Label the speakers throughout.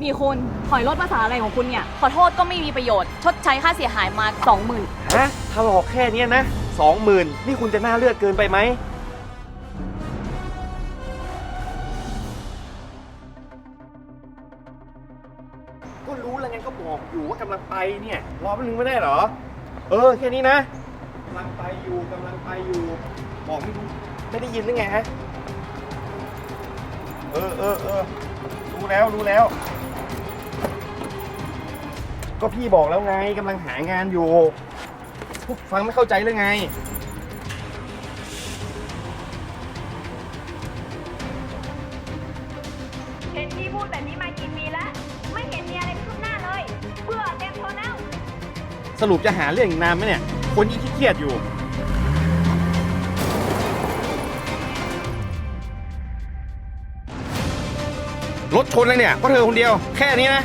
Speaker 1: นี่คุณถอยรถภาษาอะไรของคุณเนี่ยขอโทษก็ไม่มีประโยชน์ชดใช้ค่าเสียหายมา 20,000
Speaker 2: ฮะถลอกแค่เนี้ยนะ20,000นี่คุณจะหน้าเลือดเกินไปไหมก็รู้แล้วไงก็บอกอยู่ว่ากำลังไปเนี่ยรอแป๊บนึงไม่ได้เหรอแค่นี้นะกำลังไปอยู่บอกไม่ได้ยินหรือไงฮะรู้แล้วก็พี่บอกแล้วไงกำลังหางานอยู่ฟังไม่เข้าใจเลยไง
Speaker 3: เห็นพี่พูดแบบนี้มากี่ปีแล้วไม่เห็นมีอะไรคืบหน้าเลยเบื่อเต็มทนแล้ว
Speaker 2: สรุปจะหาเรื่องอีกนานไหมเนี่ยคนยิ่งเครียดอยู่รถชนเลยเนี่ยเพราะเธอคนเดียวแค่นี้นะ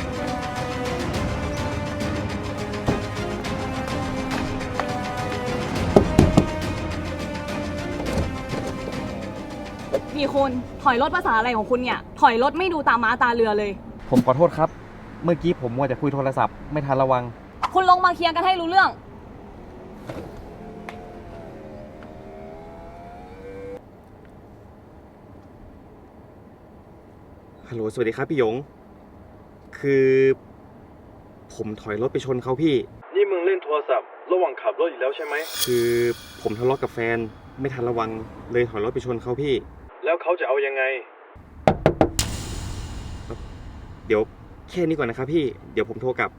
Speaker 1: นี่คุณถอยรถภาษาอะไรของคุณเนี่ยถอยรถไม่ดูตาม้าตาเรือเลย
Speaker 2: ผมขอโทษครับเมื่อกี้ผมมัวแต่คุยโทรศัพท์ไม่ทันระวัง
Speaker 1: คุณลงมาเคลียร์กันให้รู้เรื่อง
Speaker 2: ฮัลโหลสวัสดีครับพี่หยงคือผมถอยรถไปชนเขาพี่
Speaker 4: นี่มึงเล่นโทรศัพท์ระหว่างขับรถอีกแล้วใช่ไหม
Speaker 2: คือผมทะเลาะกับแฟนไม่ทันระวังเลยถอยรถไปชนเขาพี่
Speaker 4: แล้วเขาจะเอายังไง
Speaker 2: เดี๋ยวแค่นี้ก่อนนะครับพี่เดี๋ยวผมโทรกลับ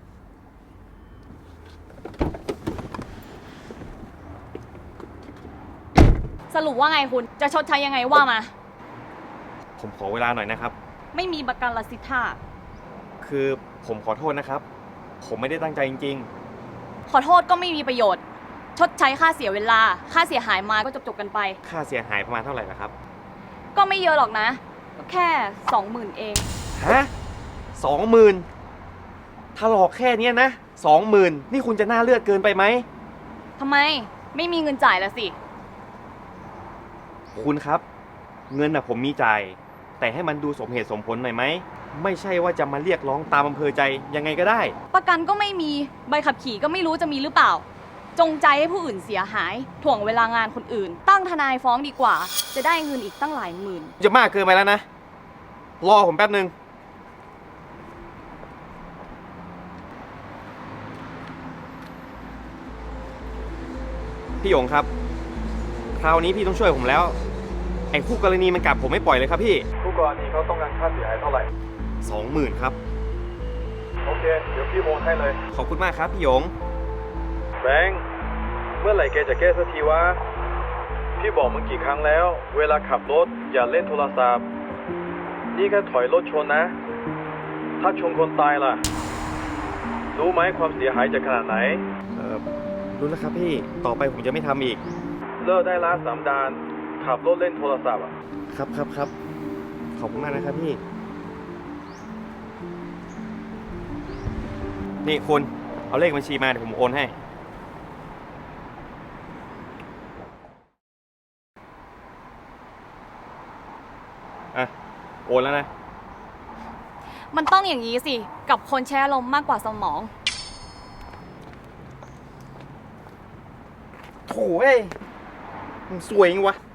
Speaker 1: สรุปว่าไงคุณจะชดใช้ยังไงว่ามา
Speaker 2: ผมขอเวลาหน่อยนะครับ
Speaker 1: ไม่มีประกันละสิท่า
Speaker 2: คือผมขอโทษนะครับผมไม่ได้ตั้งใจจริง
Speaker 1: ๆขอโทษก็ไม่มีประโยชน์ชดใช้ค่าเสียเวลาค่าเสียหายมาก็จบกันไป
Speaker 2: ค่าเสียหายประมาณเท่าไหร่ล่ะครับ
Speaker 1: ก็ไม่เยอะหรอกนะก็แค่ 20,000 เอง
Speaker 2: ฮะ20,000ถลอกแค่เนี้ยนะ20,000นี่คุณจะหน้าเลือดเกินไปไหม
Speaker 1: ทำไมไม่มีเงินจ่ายละสิ
Speaker 2: คุณครับเงินผมมีจ่ายแต่ให้มันดูสมเหตุสมผลหน่อยไหมไม่ใช่ว่าจะมาเรียกร้องตามอำเภอใจยังไงก็ได้
Speaker 1: ประกันก็ไม่มีใบขับขี่ก็ไม่รู้จะมีหรือเปล่าจงใจให้ผู้อื่นเสียหายถ่วงเวลางานคนอื่นตั้งทนายฟ้องดีกว่าจะได้เงินอีกตั้งหลายหมื่น
Speaker 2: จะมากเกินไปแล้วนะรอผมแป๊บนึงพี่หยงครับคราวนี้พี่ต้องช่วยผมแล้วไอ้คู่กรณีมันกลับผมไม่ปล่อยเลยครับพี่
Speaker 4: คู่กรณีเขาต้องการค่าเสียหายเท่าไหร่
Speaker 2: 20,000ครับ
Speaker 4: โอเคเดี๋ยวพี่โอนให้เลย
Speaker 2: ขอบคุณมากครับพี่หยง
Speaker 4: แบงค์เมื่อไหร่แกจะแก้สักทีวะพี่บอกมึงกี่ครั้งแล้วเวลาขับรถอย่าเล่นโทรศัพท์นี่แค่ถอยรถชนนะถ้าชนคนตายล่ะรู้ไหมความเสียหายจะขนาดไหน
Speaker 2: รู้แล้วครับพี่ต่อไปผมจะไม่ทำอีก
Speaker 4: เลิกได้ละ3 ดานขับรถเล่นโทรศัพท์
Speaker 2: ครับขอบคุณมากนะครับพี่นี่คุณเอาเลขบัญชีมาเดี๋ยวผมโอนให้โอนแล้วนะ
Speaker 1: มันต้องอย่างนี้สิกับคนแช่ลมมากกว่าสมอง
Speaker 2: โถ่เอ้ยมึงสวยจริงวะ